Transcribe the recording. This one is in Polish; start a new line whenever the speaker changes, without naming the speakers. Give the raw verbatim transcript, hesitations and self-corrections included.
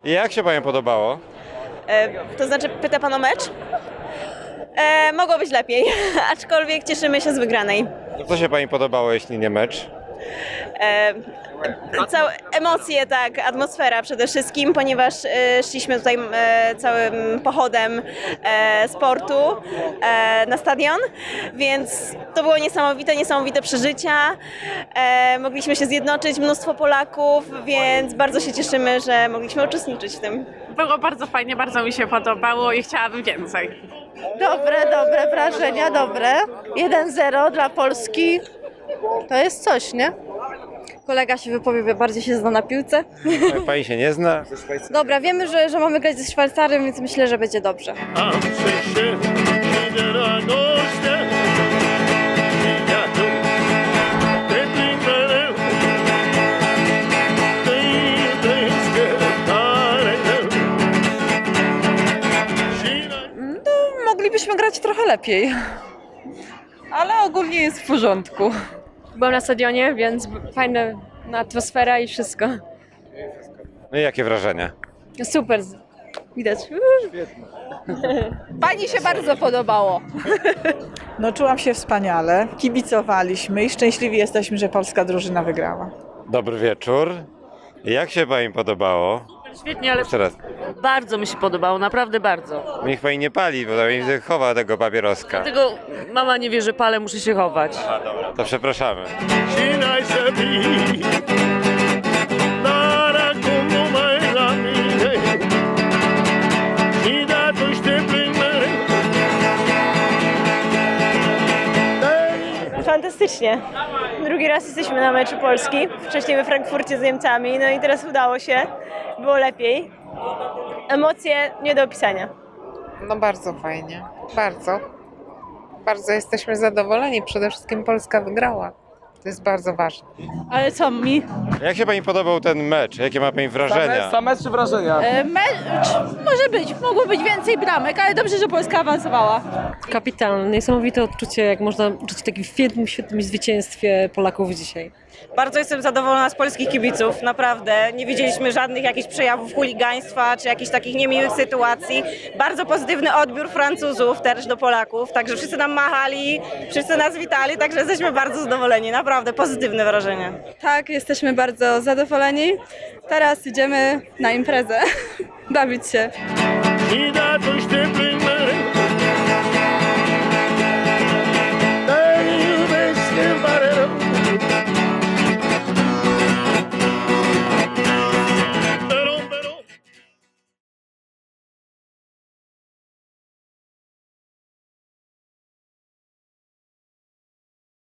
Jak się Panią podobało?
E, to znaczy, pyta pan o mecz? E, mogło być lepiej, aczkolwiek cieszymy się z wygranej.
Co się Pani podobało, jeśli nie mecz?
E, całe emocje, tak, atmosfera przede wszystkim, ponieważ e, szliśmy tutaj e, całym pochodem e, sportu e, na stadion, więc to było niesamowite, niesamowite przeżycia. E, mogliśmy się zjednoczyć, mnóstwo Polaków, więc bardzo się cieszymy, że mogliśmy uczestniczyć w tym.
Było bardzo fajnie, bardzo mi się podobało i chciałabym więcej.
Dobre, dobre wrażenia, dobre. jeden zero dla Polski. To jest coś, nie?
Kolega się wypowie, bardziej się zna na piłce.
Pani się nie zna?
Dobra, wiemy, że, że mamy grać ze Szwajcarem, więc myślę, że będzie dobrze.
Moglibyśmy grać trochę lepiej, ale ogólnie jest w porządku.
Byłam na stadionie, więc fajna atmosfera i wszystko.
No i jakie wrażenia?
Super, widać.
Pani się bardzo podobało.
No czułam się wspaniale, kibicowaliśmy i szczęśliwi jesteśmy, że polska drużyna wygrała.
Dobry wieczór. Jak się Pani podobało?
Świetnie, ale
Jeszcze raz.
bardzo mi się podobało, naprawdę bardzo.
Niech Pani nie pali, bo Pani widzę, chowa tego papieroska.
Dlatego mama nie wie, że palę, muszę się chować.
A dobra, to przepraszamy.
Fantastycznie. Drugi raz jesteśmy na meczu Polski, wcześniej we Frankfurcie z Niemcami, no i teraz udało się, było lepiej. Emocje nie do opisania.
No bardzo fajnie, bardzo. Bardzo jesteśmy zadowoleni, przede wszystkim Polska wygrała. To jest bardzo ważne.
Ale co mi?
Jak się Pani podobał ten mecz? Jakie ma Pani wrażenia?
Same czy wrażenia?
E, mecz może być, mogło być więcej bramek, ale dobrze, że Polska awansowała.
Kapitalne, niesamowite odczucie, jak można uczyć w takim świetnym, świetnym zwycięstwie Polaków dzisiaj.
Bardzo jestem zadowolona z polskich kibiców, naprawdę. Nie widzieliśmy żadnych jakichś przejawów chuligaństwa czy jakichś takich niemiłych sytuacji. Bardzo pozytywny odbiór Francuzów też do Polaków, także wszyscy nam machali, wszyscy nas witali, także jesteśmy bardzo zadowoleni, naprawdę pozytywne wrażenie.
Tak, jesteśmy bardzo zadowoleni. Teraz idziemy na imprezę, bawić się.